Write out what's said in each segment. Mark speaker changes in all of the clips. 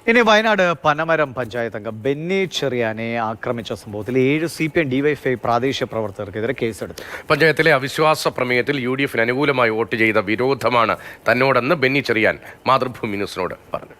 Speaker 1: ഇനി വയനാട് പനമരം പഞ്ചായത്ത് അംഗം ബെന്നി ചെറിയാനെ ആക്രമിച്ച സംഭവത്തിൽ 7 CPM ഡിവൈഎഫ്ഐ പ്രാദേശിക പ്രവർത്തകർക്കെതിരെ കേസെടുത്തു.
Speaker 2: പഞ്ചായത്തിലെ അവിശ്വാസ പ്രമേയത്തിൽ UDF-ന് അനുകൂലമായി വോട്ട് ചെയ്ത വിരോധമാണ് തന്നോടെന്ന് ബെന്നി ചെറിയാൻ മാതൃഭൂമി ന്യൂസിനോട് പറഞ്ഞു.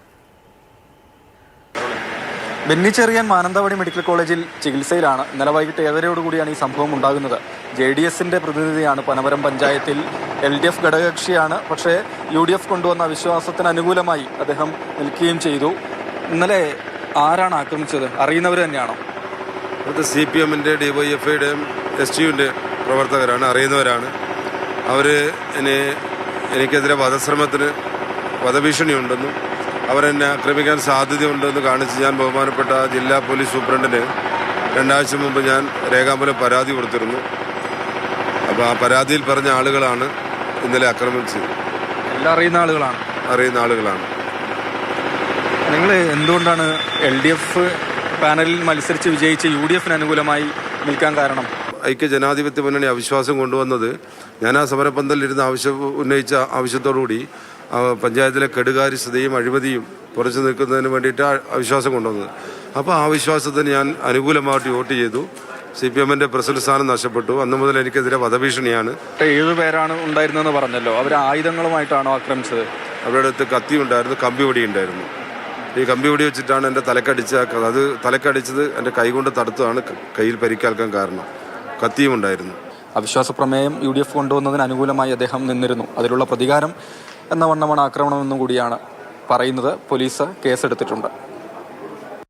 Speaker 3: ബെന്നി ചെറിയാൻ മാനന്തവാടി മെഡിക്കൽ കോളേജിൽ ചികിത്സയിലാണ്. ഇന്നലെ വൈകിട്ട് 7:30 ഈ സംഭവം ഉണ്ടാകുന്നത്. JDS-ന്റെ പ്രതിനിധിയാണ്. പനമരം പഞ്ചായത്തിൽ LDF ഘടകകക്ഷിയാണ്. പക്ഷേ UDF കൊണ്ടുവന്ന വിശ്വാസത്തിന് അനുകൂലമായി അദ്ദേഹം നിൽക്കുകയും ചെയ്തു. ഇന്നലെ ആരാണ് ആക്രമിച്ചത്? അറിയുന്നവർ തന്നെയാണോ?
Speaker 4: അത് CPM-ന്റെ DYFI-യുടെയും STU-ന്റെ പ്രവർത്തകരാണ്, അറിയുന്നവരാണ്. അവർ എനിക്കെതിരെ വധഭീഷണിയുണ്ടെന്നും അവരെന്നെ ആക്രമിക്കാൻ സാധ്യതയുണ്ടെന്ന് കാണിച്ച് ഞാൻ ബഹുമാനപ്പെട്ട ജില്ലാ പോലീസ് സൂപ്രണ്ടിന് 2 ആഴ്ച മുമ്പ് ഞാൻ രേഖാമൂലം പരാതി കൊടുത്തിരുന്നു. അപ്പോൾ ആ പരാതിയിൽ പറഞ്ഞ ആളുകളാണ് ഇന്നലെ ആക്രമിച്ചത്.
Speaker 3: എല്ലാം അറിയുന്ന ആളുകളാണ്. നിങ്ങൾ എന്തുകൊണ്ടാണ് LDF പാനലിൽ മത്സരിച്ച് വിജയിച്ച് UDF-ന് അനുകൂലമായി നിൽക്കാൻ കാരണം?
Speaker 4: ഐക്യ ജനാധിപത്യ മുന്നണി അവിശ്വാസം കൊണ്ടുവന്നത്, ഞാൻ ആ സമരപന്തലിരുന്ന് ഉന്നയിച്ച ആവശ്യത്തോടുകൂടി പഞ്ചായത്തിലെ കെടുകാര്യസ്ഥതയും അഴിമതിയും പുറച്ചു നിൽക്കുന്നതിന് വേണ്ടിയിട്ട് അവിശ്വാസം കൊണ്ടുവന്നത്. അപ്പോൾ ആ വിശ്വാസത്തിന് ഞാൻ അനുകൂലമായിട്ട് വോട്ട് ചെയ്തു. CPM-ന്റെ പ്രസിഡന്റ് സ്ഥാനം നഷ്ടപ്പെട്ടു. അന്നു മുതൽ എനിക്കെതിരെ വധഭീഷണിയാണ്.
Speaker 3: 7 പേരാണ് ഉണ്ടായിരുന്നെന്ന് പറഞ്ഞല്ലോ. അവർ ആയുധങ്ങളുമായിട്ടാണോ ആക്രമിച്ചത്?
Speaker 4: അവരുടെ അടുത്ത് കത്തി ഉണ്ടായിരുന്നു, കമ്പിവടി ഉണ്ടായിരുന്നു. ഈ കമ്പിവടി വെച്ചിട്ടാണ് എൻ്റെ തലക്കടിച്ചത് എൻ്റെ കൈകൊണ്ട് തടുത്തതാണ് കയ്യിൽ പരിക്കേൽക്കാൻ കാരണം. കത്തിയും ഉണ്ടായിരുന്നു.
Speaker 3: അവിശ്വാസ പ്രമേയം UDF കൊണ്ടുവന്നതിന് അനുകൂലമായി അദ്ദേഹം നിന്നിരുന്നു. അതിലുള്ള പ്രതികാരം എന്ന വണ്ണമാണ് ആക്രമണമെന്നും കൂടിയാണ് പറയുന്നത്. പോലീസ് കേസെടുത്തിട്ടുണ്ട്.